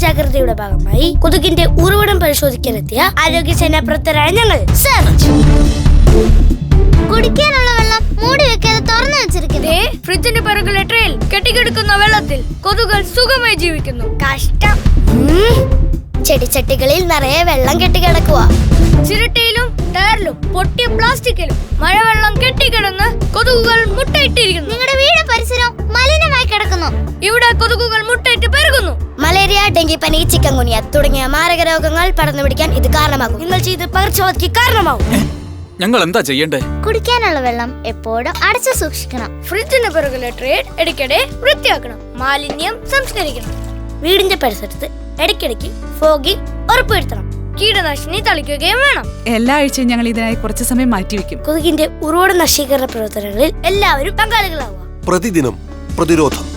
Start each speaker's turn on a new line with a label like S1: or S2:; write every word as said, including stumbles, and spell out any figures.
S1: ജാഗ്രതയുടെ ഭാഗമായി കൊതുകിന്റെ ഉറവിടം പരിശോധിക്കാനെത്തിയ ആരോഗ്യ സേനാ പ്രവർത്തകരായ ഞങ്ങൾ സെർച്ച്.
S2: കുടിക്കാനുള്ള വെള്ളം മൂടി വെക്കാതെ തുറന്നു വെച്ചിരിക്കുന്നേ.
S3: ഫ്രിഡ്ജിന്റെ പിറകിലെ ട്രേയിൽ കെട്ടിക്കിടക്കുന്ന വെള്ളത്തിൽ കൊതുകുകൾ സുഖമായി ജീവിക്കുന്നു.
S1: കഷ്ടം. ചെടിച്ചട്ടികളിൽ നിറയെ വെള്ളം കെട്ടിക്കിടക്കുക.
S3: ചിരട്ടയിലും ടയറിലും പൊട്ടിയ പ്ലാസ്റ്റിക്കിലും മഴവെള്ളം കെട്ടിക്കിടന്ന് കൊതുകുകൾ മുട്ടയിട്ടിരിക്കുന്നു.
S2: നിങ്ങളുടെ വീട് പരിസരം മലിനമായി കിടക്കുന്നു.
S3: ഇവിടെ കൊതുകുകൾ മുട്ടയിട്ട് പെരുകുന്നു.
S1: മലേറിയ, ഡെങ്കിപ്പനി, ചിക്കൻ ഗുനിയ തുടങ്ങിയ മാരക രോഗങ്ങൾ പടർന്നു പിടിക്കാൻ ഇത് കാരണമാകും. നിങ്ങൾ ചെയ്ത് പകർച്ചവ്യാധിക്ക് കാരണമാകും.
S4: ഞങ്ങൾ എന്താ ചെയ്യണ്ടേ?
S2: കുടിക്കാനുള്ള വെള്ളം എപ്പോഴും അടച്ചു സൂക്ഷിക്കണം.
S3: ഫ്രിഡ്ജിന്റെ പിറകിലെ ട്രേ ഇടയ്ക്കിടെ വൃത്തിയാക്കണം. മാലിന്യം സംസ്കരിക്കണം.
S1: വീടിന്റെ പരിസരത്ത് ഇടയ്ക്കിടയ്ക്ക് ഫോഗിംഗ് ഉറപ്പുവരുത്തണം.
S3: കീടനാശിനി തളിക്കുകയും വേണം.
S5: എല്ലാ ആഴ്ചയും ഞങ്ങൾ ഇതിനായി കുറച്ചു സമയം മാറ്റിവെക്കും.
S1: കൊതുകിന്റെ ഉറവിട നശീകരണ പ്രവർത്തനങ്ങളിൽ എല്ലാവരും പങ്കാളികളാവുക.
S6: പ്രതിദിനം പ്രതിരോധം.